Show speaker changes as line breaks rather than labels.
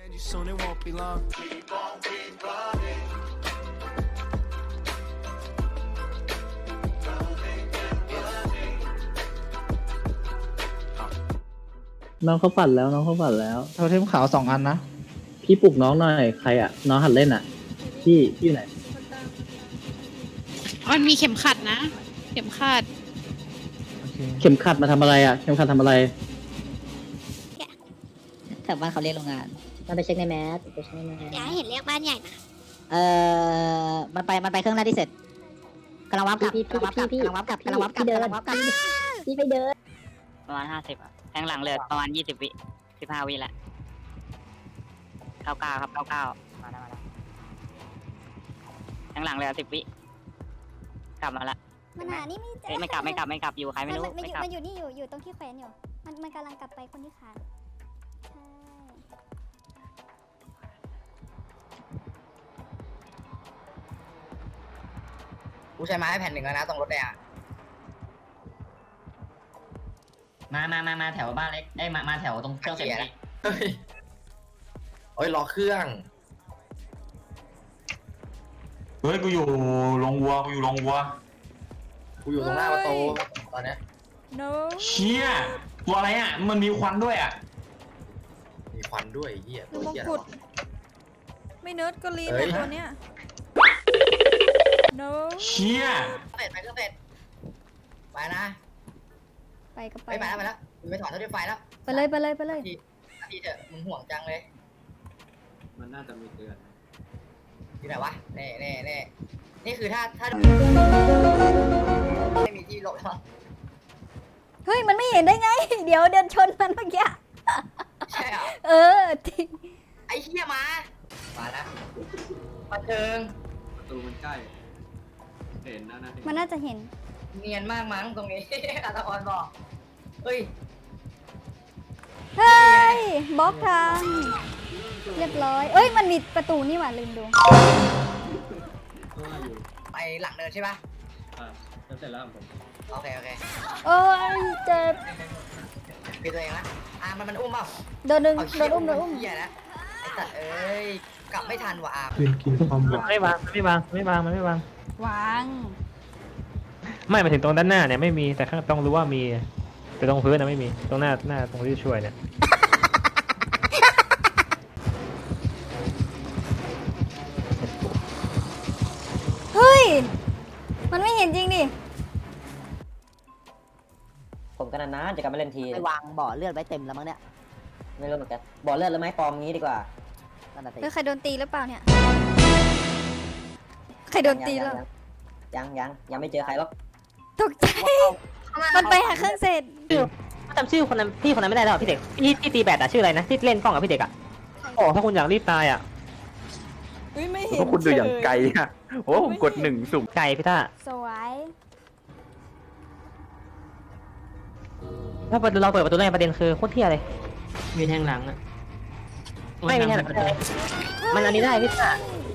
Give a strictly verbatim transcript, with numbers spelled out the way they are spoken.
น้องเขาปั่นแล้วน้องเขาปั่นแล้ว
โทเทมขาวสองอันนะ
พี่ปลุกน้องหน่อยใครอ่ะน้องหัดเล่นอ่ะพี่พี่ไหน
มันมีเข็มขัดนะเข็มขัด
เข็มขัดมาทำอะไรอ่ะเข็มขัดทำอะไร
แถวบ้านเขาเรียกโรงงานมันไปเช็คในแมสไปเช็คในแมส
อย่าให้เห็นเรียกบ้านใหญ่นะ
เอ่อมันไปมันไปเครื่องแรกที่เสร็จกำลังวับกลับกำลังวับกลับกำลังวับกลับกำลังวับกลับกำลังวับกลับพี่ไปเดิน
ประมาณห้าสิบอ่ะแทงหลังเลยประมาณยี่สิบวิสิบห้าวิแหละเก้าเก้าครับเก้าเก้ามาแล้วมาแล้วแทงหลังเลยสิบวิกลับมาละ
มันหานี่ไม่เจ
เอ้ยไม่กลับไม่กลับไม่กลับอยู่ใครไม่รู้
มัน
ไม่
อยู่
กลับ
มันอยู่นี่อยู่อยู่ตรงที่แขวนอยู่มันมันกำลังกลับไปคนที่ขาดใช่
กูใช้ไม้แผ่นหนึ่งแล้วนะตรงรถแดงอะ
มามามามาแถวบ้านเล็กเอ้ยมามาแถวตรงเครื่องเสร็จเลย
เฮ้ยโอ้ยรอเครื่อง
เฮ้ยกูอยู่โรงวัวกูอยู่โรงวัว
กูอยู่ตรงหน้าประตูตอนเนี้ย
no
เชี่ยตัวอะไรอ่ะมันมีควันด้วยอ่ะ
มีควันด้วยไอ้เหี้ยตัว
มง
เหี้ย
กุฎ
อะไรวะ
ไม่เนิร์ดก็ลีน
เฮ้
แต่
ย
ตัวเนี้ย no
เชี่ย
เสร็จไปเครื่องเสร็จไปนะ
ไปก็ไป
ไปไปแล้วไปแล้วมึงไปถอดเท่าที่ไฟแล้ว
ไปเลยไปเลยไปเลย
นาทีเถอะมึงห่วงจังเลย
มันน่าจะมีเตือน
ที่ไหนวะเน่เน่เน่นี่คือถ้าถ้าไม่มีที่หลบแล้ว
เฮ้ยมันไม่เห็นได้ไง เดี๋ยวเดินชนมันเมื่อกี้
ใช่เหรอ
เออจริง
ไอ้เหี้ยมามานะมาเชิง
ประตูมันใกล้เห็นนะนะ
มันน่าจะเห็น
เนียนมากมั้งตรงนี้ อาตะออนบอกเฮ้ย
เฮ้ยบล็อกทางเรียบร้อยเอ้ยมันมีประตูนี่หว่าลืมดู
ไปหลังเดินใช่ปะ
อ่าเสร็จแล้วผม
โอเคโอเค
โอ้ยเจ็บ
คือตัวเองนะอ่ะมันมันอุ้มเปล่า
โดนดึง
เอา
โดนอุ้มโดนอุ้ม
เหี้ยนะไอ้สัตว์เอ้ยกลับไม่ทันว่ะอา
คืนกินความหวัง
ไม่วางไม่วางไม่วางมันไม่วาง
วาง
ไม่มาถึงตรงด้านหน้าเนี่ยไม่มีแต่ข้างต้องรู้ว่ามีแต่ตรงพื้นนะไม่มีตรงหน้าหน้าตรงที่ช่วยเนี่ย
เฮ้ยมันไม่เห็นจริงดิ
ผมกันนานๆจะกลับมาเล่นที
ไปวางบ่อเลือดไว้เต็มแล้วมั้งเนี่ย
ไม่รู้เหมือนกันบ่อเลือดแล้วไม้ปลอมงี้ดีกว่า
นั่นน่ะสิ
เฮ้ยใครโดนตีหรือเปล่าเนี่ยใครโดนตีแล้ว
ยังยังยังไม่เจอใครหรอก
ตกใจมันไปหาเครื่องเสร็จ
จำชื่อคนนั้นพี่คนนั้นไม่ได้หรอพี่เด็กพี่ที่ตีแบดอะชื่ออะไรนะที่เล่นกล้องกับพี่เด็กอะ
โอ้ถ้าคุณอยากรีบตายอ่ะ
เฮ้ยไม่เห็น
พวกคุณดูอย่างไกลอ่ะโอ้ผมกดหนึ่งสุ่ม
ไกลพี่ต้า
สวย
ถ้าเราเปิดประตูได้ประเด็นคือโคตรเที่ยเลย
มีแทงหลังอ่ะ
ไม่มีแทนมันอันนี้ได้พี่ต้า